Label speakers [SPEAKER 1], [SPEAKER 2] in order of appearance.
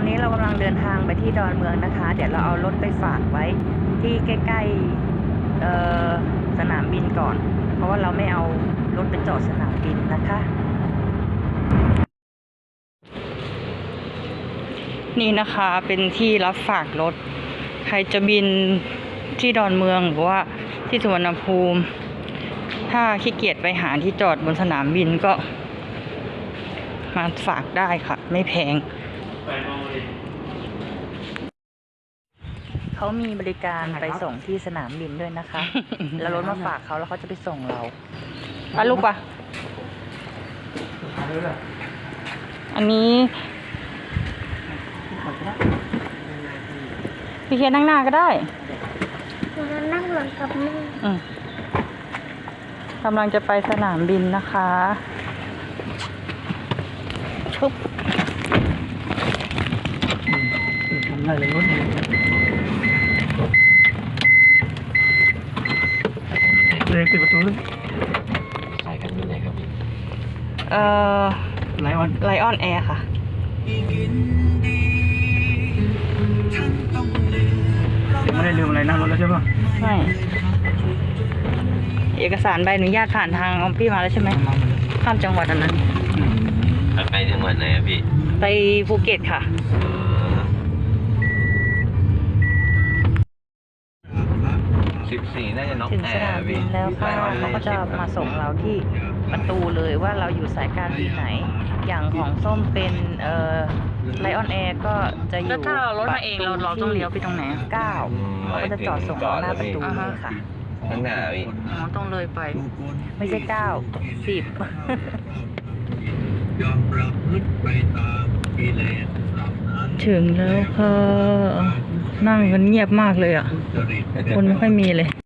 [SPEAKER 1] อนนี้เรากำลังเดินทางไปที่ดอนเมืองนะคะเดี๋ยวเราเอารถไปฝากไว้ที่ใกล้ๆสนามบินก่อนเพราะว่าเราไม่เอารถไปจอดสนามบินนะคะนี่นะคะเป็นที่รับฝากรถใครจะบินที่ดอนเมืองหรือว่าที่สุวรรณภูมิถ้าขี้เกียจไปหาที่จอดบนสนามบินก็มาฝากได้ค่ะไม่แพงเขามีบริการไปส่งที่สนามบินด้วยนะคะ แล้วรถมาฝากเขาแล้วเขาจะไปส่งเราอ่ะลูกปะอันนี้พี่เคียนนั่งหน้าก็ได้
[SPEAKER 2] นั่งหลังกับแม่
[SPEAKER 1] กำลังจะไปสนามบินนะคะชุบ
[SPEAKER 3] ทำอะไรเลยรถเล็กปิดประตูเลย
[SPEAKER 4] สายการบินไหนครับพี่
[SPEAKER 3] ไลอ
[SPEAKER 1] อนแอร์ค่ะ
[SPEAKER 3] ไม่ได้ลืมอะไรนั่งรถแล้วใช่ปะ
[SPEAKER 1] ไม่เอกสารใบอนุญาตผ่านทางออมพี่มาแล้วใช่ไหมข้ามจังหวัดอันนั้น
[SPEAKER 4] ไปจังหวัดไหนครับพี่
[SPEAKER 1] ไปภูเก็ตค่ะ
[SPEAKER 4] 14น่าจะน็อก
[SPEAKER 1] ถึงสนามบินแล้วค่ะเขาก็จะมาส่งเราที่ประตูเลยว่าเราอยู่สายการบินไหนอย่างของส้มเป็นไลออนแอร์ก็จะอยู่ถ้าเรารถมาเองเราต้องเลี้ยวไปตรงไหน9เขาก็จะจอดส่งเราหน้าประตูนี่ค่ะ
[SPEAKER 4] ข้างหน้าพี่
[SPEAKER 1] ต้องเลยไปไม่ใช่9 10ถึงแล้วค่ะนั่งกันเงียบมากเลยอ่ะคนไม่ค่อยมีเลย